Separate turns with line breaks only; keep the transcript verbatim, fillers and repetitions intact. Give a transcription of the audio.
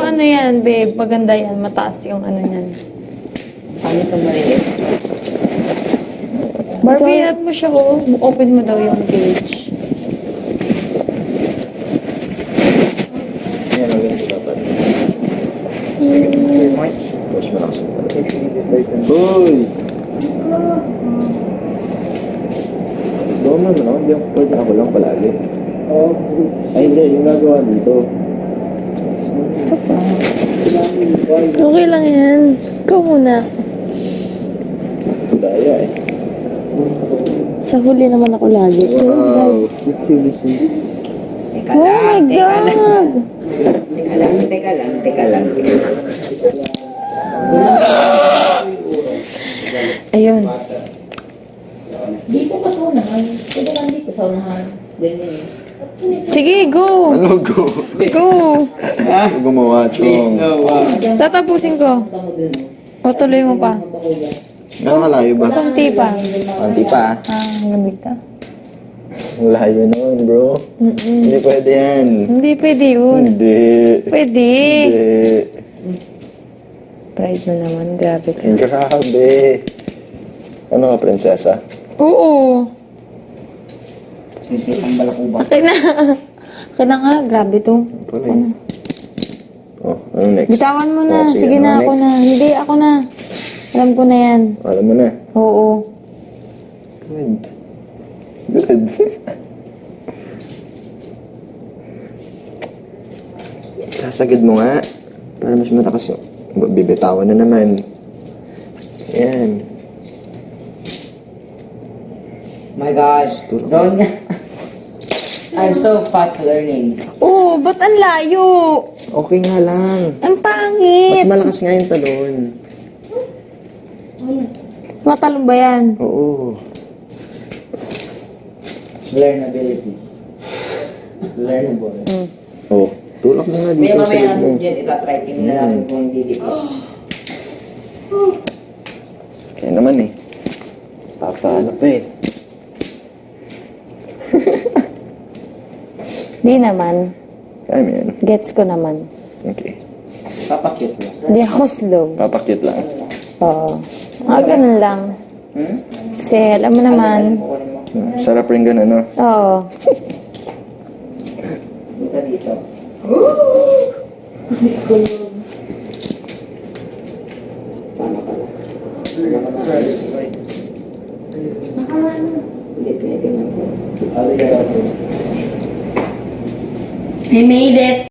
ano yan, babe. Maganda yan. Mataas yung ano yan.
Paano ito maliit?
Barbie, help mo siya, oh. Open mo daw yung cage.
Yan, maganda dapat. Mas malakas. Uy! Doon naman ako, hindi ako pwede ako lang palagi. Ay hindi, yung nagawa dito.
Okay lang yan. Ikaw muna.
Daya eh.
Sa huli naman ako lagi.
Wow!
Teka
Oh
lang,
my
teka lang.
God!
Teka lang, teka lang, teka lang.
Ayun.
Dito pa sa unahan. Pwede lang dito sa unahan. Ganyan eh.
Sige, go!
Ano go?
Go!
Ano gumawa, Chong?
Tatapusin ko.
Punta mo dun.
O, tuloy mo pa.
Punta ko yan.
Gano'ng kalayo ba?
Kunti pa.
Konti pa.
Ah, gamit ka.
Ang layo nun, bro.
Mm-mm.
Hindi pwede yan.
Hindi pwede yun.
Hindi.
Pwede.
Hindi.
Pride na naman. Grabe ka.
Grabe. Ano ka, prinsesa?
Oo.
Sinisip ang balakuba.
Akin na. Akin na nga. Grabe to.
Pala eh. Oh, ano next?
Bitawan mo na.
Oh,
sige
ano
na, ako
next?
na. Hindi, ako na. Alam ko na yan.
Alam mo na.
Oo.
Good. Good. Sasagad mo nga. Para mas matakas yung... Bibitawan na naman. Yan.
My gosh. Zone nga. I'm so fast learning.
Oo, ba't ang layo?
Okay nga lang.
Ang
Mas
pangit.
malakas nga yung talon.
Matalong ba yan?
Oo.
Learnability. Learnable.
Hmm.
Oh, tulak mo nga
Kaya
dito sa
mamaya
loob mo.
natin dyan, itatry tingnan na natin kung hindi dito.
Kaya naman eh. Papaano pa eh.
Di naman.
Kaya mo yan.
Gets ko naman.
Okay.
Papakit mo.
Di ako slow.
Papakit lang.
Oo. Mga ganun lang.
Hmm?
Kasi alam mo naman.
Kukunin mo.
Sarap rin ganun, no?
Oo.
Dito dito. Tama pala. Hindi, tinitingnan ko.
I made it.